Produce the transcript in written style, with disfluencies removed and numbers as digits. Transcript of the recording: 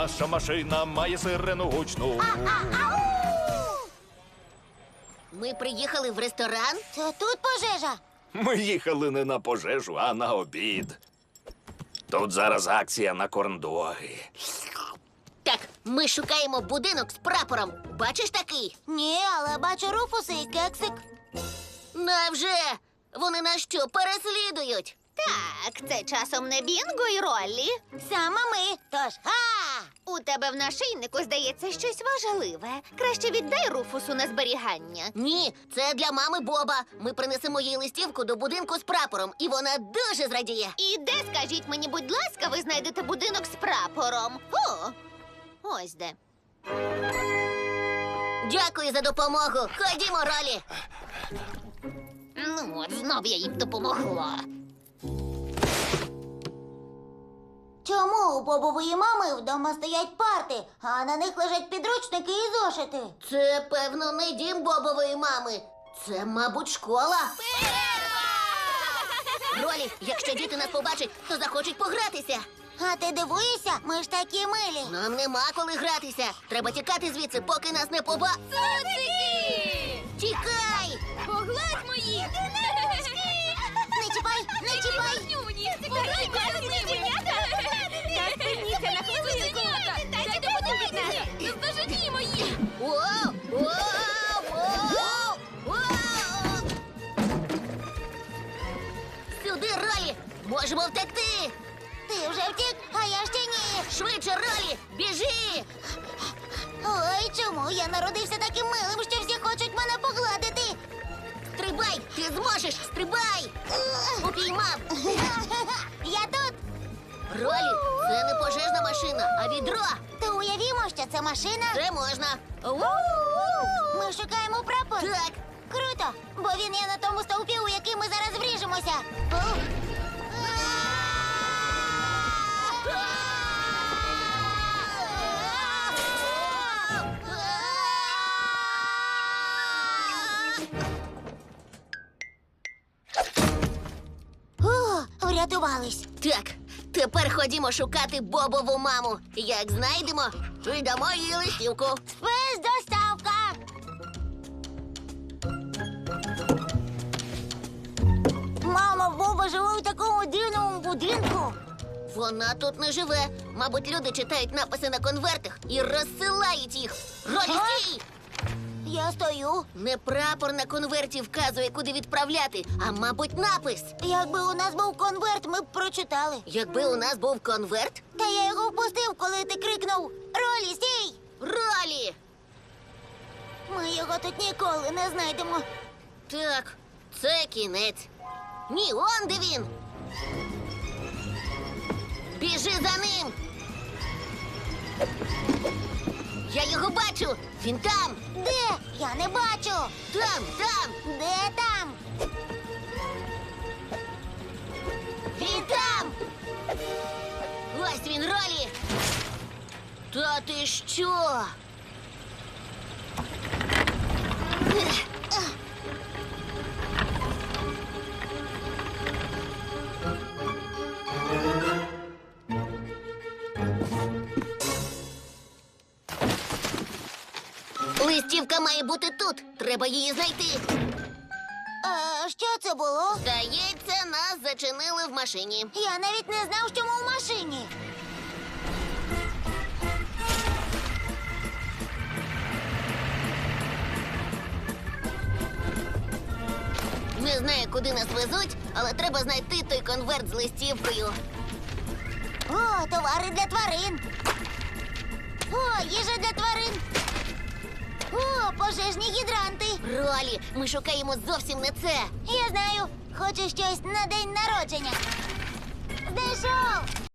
наша машина має сирену гучну. Ми приїхали в ресторан. Це тут пожежа. Ми їхали не на пожежу, а на обід. Тут зараз акція на корндоги. Так, ми шукаємо будинок з прапором. Бачиш такий? Ні, але бачу Руфуса і кексик. Невже? Вони нас що, переслідують? Так, це часом не Бінго і Роллі. Саме ми. Тож, У тебе в нашийнику, здається, щось важливе. Краще віддай Руфусу на зберігання. Ні, це для мами Боба. Ми принесемо їй листівку до будинку з прапором, і вона дуже зрадіє. І де, скажіть мені, будь ласка, ви знайдете будинок з прапором? О, ось де. Дякую за допомогу. Ходімо, Ролі. Ну от, знов я їм допомогла. чому у Бобової мами вдома стоять парти, а на них лежать підручники і зошити? Це, певно, не дім Бобової мами. Це, мабуть, школа. Ролі, якщо діти нас побачать, то захочуть погратися. А ти дивуєшся? Ми ж такі милі. Нам нема коли гратися. Треба тікати звідси, поки нас не Тікай! Погладь мої! Не чіпай, не чіпай! Воу! Воу! Воу! Воу! Сюди, Ролі! Можемо втекти! Ти вже втік, а я ще ні. Швидше, Ролі! Біжи! Ой, чому я народився таким милим, що всі хочуть мене погладити? Стрибай! Ти зможеш! Стрибай! Упіймав! Я тут. Ролі, це не пожежна машина, а відро! То уявімо, що це машина. Це можна! Ми шукаємо прапор. Так! Круто, бо він є на тому стовпі, у який ми зараз вріжемося. Врятувались. Так, тепер ходімо шукати Бобову маму. Як знайдемо, віддамо їй листівку. Спецдоставка. Мама Боба живе у такому дивному будинку. Вона тут не живе. Мабуть, люди читають написи на конвертах і розсилають їх. Ролі, стій! Я стою. Не прапор на конверті вказує, куди відправляти, а, мабуть, напис. Якби у нас був конверт, ми б прочитали. Якби у нас був конверт, Та я його впустив, коли ти крикнув «Ролі, стій!» Ролі! Ми його тут ніколи не знайдемо. Так, це кінець. Ні, он де він. Біжи за ним. Я його бачу. Він там. Де? Я не бачу. Там, там. Де там? Він там. Ось він, Ролі. Та ти що? Листівка має бути тут. Треба її знайти. Що це було? Здається, нас зачинили в машині. Я навіть не знав, що ми в машині. Не знаю, куди нас везуть, але треба знайти той конверт з листівкою. О, товари для тварин. О, їжа для тварин. О, пожежні гідранти. Ролі, ми шукаємо зовсім не це. Я знаю, хочу щось на день народження. Знайшов!